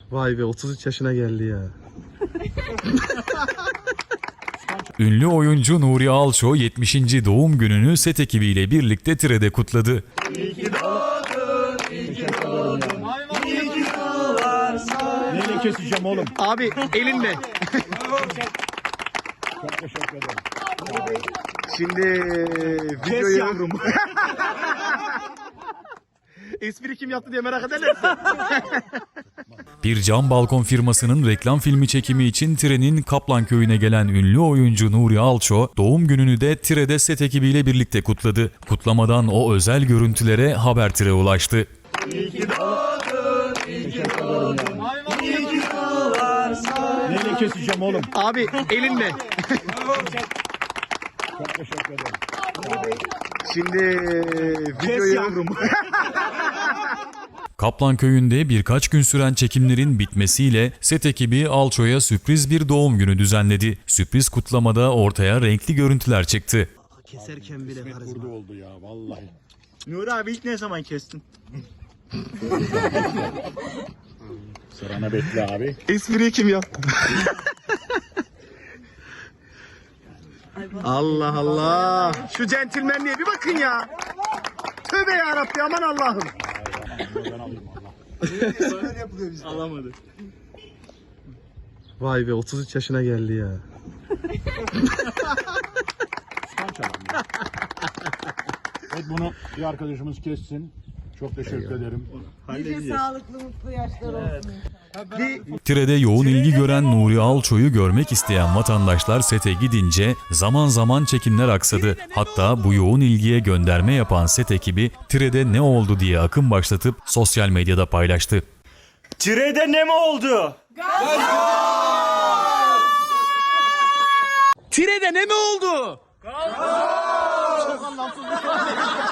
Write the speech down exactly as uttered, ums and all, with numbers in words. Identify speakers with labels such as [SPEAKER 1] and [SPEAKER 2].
[SPEAKER 1] Vay be, otuz üç yaşına geldi ya.
[SPEAKER 2] Ünlü oyuncu Nuri Alço yetmişinci doğum gününü set ekibiyle birlikte Tire'de kutladı.
[SPEAKER 3] İyi ki doğdun, iyi ki doğdun, iyi ki doğarsan. Neyle keseceğim oğlum?
[SPEAKER 1] Abi elinle.
[SPEAKER 3] Çok teşekkür ederim.
[SPEAKER 1] Şimdi
[SPEAKER 3] Kes
[SPEAKER 1] videoyu...
[SPEAKER 3] yavrum.
[SPEAKER 1] Espri kim yaptı diye merak ederlerse.
[SPEAKER 2] Bir cam balkon firmasının reklam filmi çekimi için Tire'nin Kaplanköy'üne gelen ünlü oyuncu Nuri Alço, doğum gününü de Tire'de set ekibiyle birlikte kutladı. Kutlamadan o özel görüntülere Haber Tire ulaştı.
[SPEAKER 3] İyi ki doğdun, iyi ki doğdun, iyi ki doğarsan. Neyle keseceğim oğlum?
[SPEAKER 1] Abi elinle.
[SPEAKER 3] Çok teşekkür ederim.
[SPEAKER 1] Şimdi
[SPEAKER 3] Kes
[SPEAKER 1] videoyu...
[SPEAKER 3] yavrum.
[SPEAKER 2] Kaplanköy'ünde birkaç gün süren çekimlerin bitmesiyle set ekibi Alço'ya sürpriz bir doğum günü düzenledi. Sürpriz kutlamada ortaya renkli görüntüler çıktı.
[SPEAKER 1] Keserken bile karizma.
[SPEAKER 3] Burada oldu ya vallahi.
[SPEAKER 4] Nuri abi ilk ne zaman kestin?
[SPEAKER 3] Sırana bekle abi.
[SPEAKER 1] Espriyi kim yaptı? Allah Allah. Şu centilmenliğe bir bakın ya. Tövbe yarabbi, aman Allah'ım.
[SPEAKER 4] Alamadı.
[SPEAKER 1] Vay be, otuz üç yaşına geldi ya.
[SPEAKER 3] Evet, bunu bir arkadaşımız kessin. Çok teşekkür ederim.
[SPEAKER 5] Nice sağlıklı mutlu yaşlar olsun.
[SPEAKER 2] Tire'de yoğun ilgi gören Nuri Alço'yu görmek isteyen vatandaşlar sete gidince zaman zaman çekimler aksadı. Hatta bu yoğun ilgiye gönderme yapan set ekibi Tire'de ne oldu diye akım başlatıp sosyal medyada paylaştı.
[SPEAKER 4] Tire'de ne mi oldu?
[SPEAKER 1] Tire'de ne mi oldu? Çok anlamsız bir şey.